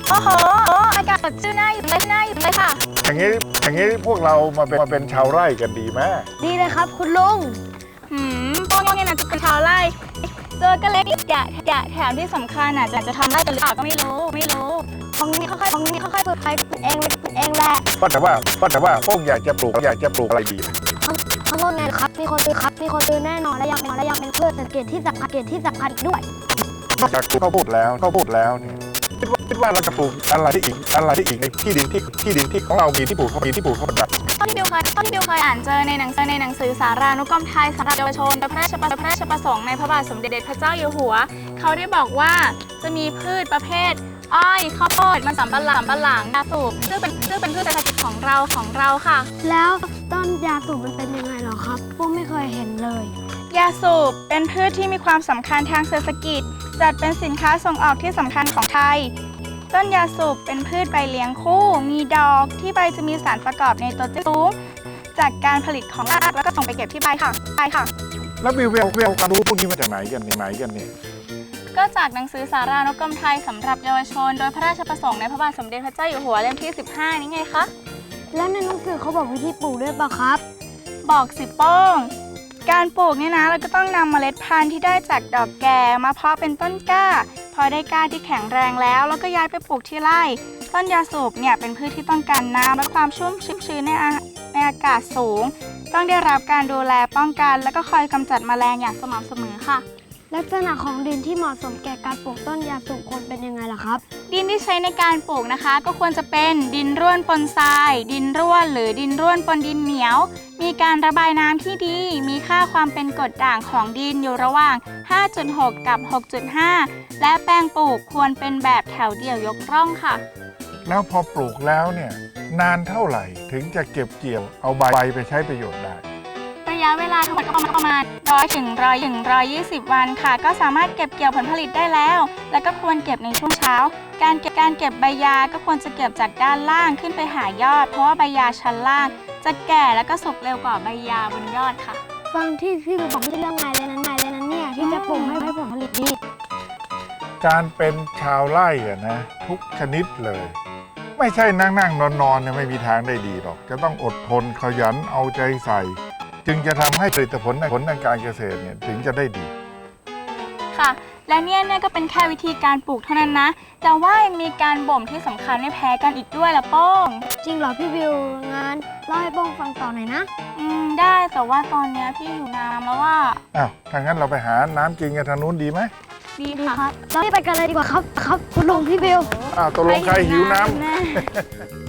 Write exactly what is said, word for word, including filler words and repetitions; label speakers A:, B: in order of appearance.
A: โอ้โหอากาศสดชื่นน่าอยู่เลยน่าอยู่เลยค่ะ
B: อย่างนี้อย่างนี้พวกเรามาเป็นมาเป็นชาวไร่กันดีไหม
C: ดีเลยครับคุณลุง
A: หืมพวกนี้นะจะเป็นชาวไร่เจอกันเล็กอย่าอย่าแถมที่สำคัญอ่ะจะจะทำไร่กันหรือเปล่าก็ไม่รู้ไม่รู้
C: ของนี้ค่อยๆของนี้ค่อยๆเปิดไปเองเองแหละ
B: ก็แต่ว่าก็แต่ว่าพวกอยากจะปลูกอยากจะปลูกอะไรดี
C: ข้างบนไงครับมีคนซื้อครับมีคนซื้อแน่นอนและยังและยังเป็นพืชเกษตรที่สำคัญเกษตรที่สำคัญอีกด้วย
B: นอกจากปลูกข้าวโพดแล้วข้าวโพดแล้วเนี่ยคิดว่าคิดว่าเราจะปลูกอะไรที่อีกอะไรที่อีกในที่ดินที่ที่ดินที่ของเรามีที่ปลูกเขามีที่ปลูกเขาแบบ
A: ต้นที่บิวเคยต้นที่บิวเคยอ่านเจอในหนังสือในหนังสือสารานุกรมไทยสำหรับเยาวชนโดยพระราชพระราชประสงค์ในพระบาทสมเด็จพระเจ้าอยู่หัวเขาได้บอกว่าจะมีพืชประเภทอ้อยข้าวโพดมันสำปะหลังปะหลังยาสูบซึ่งเป็นซึ่งเป็นพืชเศรษฐกิจของเราของเราค่ะ
C: แล้วต้นยาสูบมันเป็นยังไงหรอครับพวกไม่เคยเห็นเลย
A: ยาสูบเป็นพืชที่มีความสำคัญทางเศรษฐกิจจัดเป็นสินค้าส่งออกที่สำคัญของไทยต้นยาสูบเป็นพืชใบเลี้ยงคู่มีดอกที่ใบจะมีสารประกอบในตัวที่สูงจากการผลิตของรากแล้วก็ส่งไปเก็บที่ใบค่ะใบค่ะ
B: แล้ววิววิววิวการรู้พวกนี้มาจากไหนกันไหนกันเนี่ย
A: ก็จากหนังสือสารานุกรมไทยสำหรับเยาวชนโดยพระราชประสงค์ในพระบาทสมเด็จพระเจ้าอยู่หัวเล่มที่สิบห้านี่ไงคะ
C: แล้วในหนังสือเขาบอกวิธีปลูกด้วยป่ะครับ
A: บอกสิโป้งการปลูกเนี่ยนะเราก็ต้องนำเมล็ดพันธุ์ที่ได้จากดอกแก่มาเพาะเป็นต้นกล้าพอได้กล้าที่แข็งแรงแล้วแล้วก็ย้ายไปปลูกที่ไร่ต้นยาสูบเนี่ยเป็นพืชที่ต้องการน้ำและความชุ่มชื้นในในอากาศสูงต้องได้รับการดูแลป้องกันแล้วก็คอยกำจัดแมลงอย่างสม่ำเสมอค่ะ
C: ลักษณะของดินที่เหมาะสมแก่การปลูกต้นยาสูบควรเป็นยังไงล่ะครับ
A: ดินที่ใช้ในการปลูกนะคะก็ควรจะเป็นดินร่วนปนทรายดินร่วนหรือดินร่วนปนดินเหนียวมีการระบายน้ำที่ดีมีค่าความเป็นกรดด่างของดินอยู่ระหว่าง ห้าจุดหก กับ หกจุดห้า และแปลงปลูกควรเป็นแบบแถวเดี่ยวยกร่องค่ะ
B: แล้วพอปลูกแล้วเนี่ยนานเท่าไหร่ถึงจะเก็บเกี่ยวเอาใบไปใช้ประโยชน์ได้
A: ระยะเวลาทั้งหมดก็ประมาณร้อยถึงร้อยถึงร้อยยี่สิบวันค่ะก็สามารถเก็บเกี่ยวผลผลิตได้แล้วแล้วก็ควรเก็บในช่วงเช้าการเก็บการเก็บใบยาก็ควรจะเก็บจากด้านล่างขึ้นไปหายอดเพราะว่าใบยาชั้นล่างจะแก่แล้วก็สุกเร็วกว่าใบยาบนยอดค่ะ
C: ฟังที่พี่บอกไม่ใช่เรื่องง่ายเลยนะง่ายเลยนะเนี่ยที่จะปลูกให้ผลผลิตดี
B: การเป็นชาวไร่อะนะทุกชนิดเลยไม่ใช่นั่งนั่งนอนนอนเนี่ยไม่มีทางได้ดีหรอกจะต้องอดทนขยันเอาใจใส่จึงจะทำให้ผลิตผลผลทางการเกษตรเนี่ยถึงจะได้ดี
A: ค่ะและเนี่ยเนี่ยก็เป็นแค่วิธีการปลูกเท่านั้นนะแต่ว่ายังมีการบ่มที่สำคัญไม่แพ้กันอีกด้วยละโป้ง
C: จริงเหรอพี่วิวงานเล่าให้โป้งฟังต่อหน่อยนะ
A: อืมได้แต่ว่าตอนนี้พี่อยู่น้ำแล้วว่า
B: อ้าวถ้างั้นเราไปหาน้ำกินกันทางนู้นดีไหม
A: ดีค่ะ
C: เราไปกันเลยดีกว่าครับครับคุณลุงพี่วิว
B: อ้าวตกลงใครหิวน้ำ